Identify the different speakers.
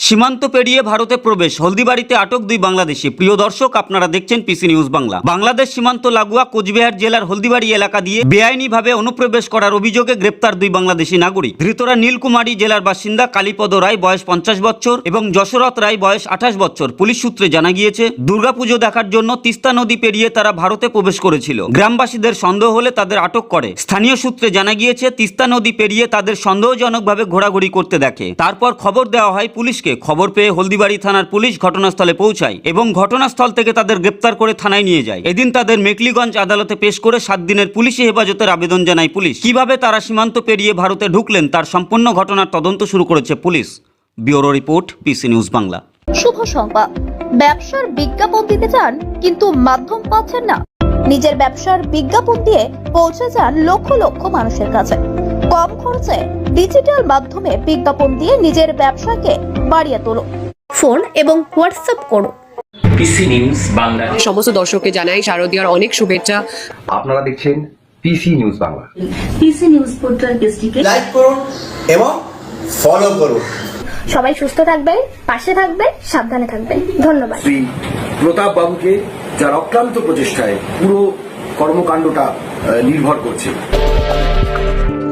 Speaker 1: সীমান্ত পেরিয়ে ভারতে প্রবেশ, হলদিবাড়িতে আটক দুই বাংলাদেশি। প্রিয় দর্শক, আপনারা দেখছেন পিসি নিউজ বাংলা। বাংলাদেশ সীমান্ত লাগোয়া কোচবিহার জেলার হলদিবাড়ি এলাকা দিয়ে বেআইনিভাবে অনুপ্রবেশ করার অভিযোগে গ্রেপ্তার দুই বাংলাদেশি নাগরিক। ধৃতরা নীলকুমারী জেলার বাসিন্দা কালীপদ রায়, বয়স 50 বছর, এবং যশরথ রায়, বয়স 28 বছর। পুলিশ সূত্রে জানা গিয়েছে, দুর্গাপুজো দেখার জন্য তিস্তা নদী পেরিয়ে তারা ভারতে প্রবেশ করেছিল। গ্রামবাসীদের সন্দেহ হলে তাদের আটক করে। স্থানীয় সূত্রে জানা গিয়েছে, তিস্তা নদী পেরিয়ে তাদের সন্দেহজনকভাবে ঘোরাঘুরি করতে দেখে। তারপর খবর দেওয়া হয় পুলিশকে। খবর পেয়ে হলদিবাড়ি থানার পুলিশ ঘটনাস্থলে পৌঁছায় এবং ঘটনাস্থল থেকে তাদের গ্রেপ্তার করে থানায় নিয়ে যায়। এদিন তাদের মেকলিগঞ্জ আদালতে পেশ করে 7 দিনের পুলিশি হেফাজতের আবেদন জানায় পুলিশ। কিভাবে তারা সীমান্ত পেরিয়ে ভারতে ঢুকলেন তার সম্পূর্ণ ঘটনার তদন্ত শুরু করেছে police. Bureau report, PC news Bangla.
Speaker 2: শুভ সংবাদ। ব্যবসার বিজ্ঞাপন দিতে চান কিন্তু মাধ্যম পাচ্ছেন না? নিজের ব্যবসার বিজ্ঞাপন দিয়ে পৌঁছে যান লক্ষ লক্ষ মানুষের কাছে। কম খরচে ডিজিটাল মাধ্যমে বিজ্ঞাপন দিয়ে নিজের ব্যবসাকে বাড়িয়ে তোলো। ফোন এবং হোয়াটসঅ্যাপ করো।
Speaker 3: PC news Bangla.
Speaker 4: সমস্ত দর্শককে জানাই শারদীয়ার অনেক শুভেচ্ছা।
Speaker 5: আপনারা দেখছেন PC news Bangla.
Speaker 6: PC news portal পেজটিকে
Speaker 7: লাইক করুন এবং ফলো করুন।
Speaker 2: সবাই সুস্থ থাকবেন, পাশে থাকবেন, সাবধানে থাকবেন। ধন্যবাদ।
Speaker 8: শ্রী প্রতাপ বাবুকে, যার অক্লান্ত প্রচেষ্টায় পুরো কর্মকাণ্ডটা নির্ভর করছে।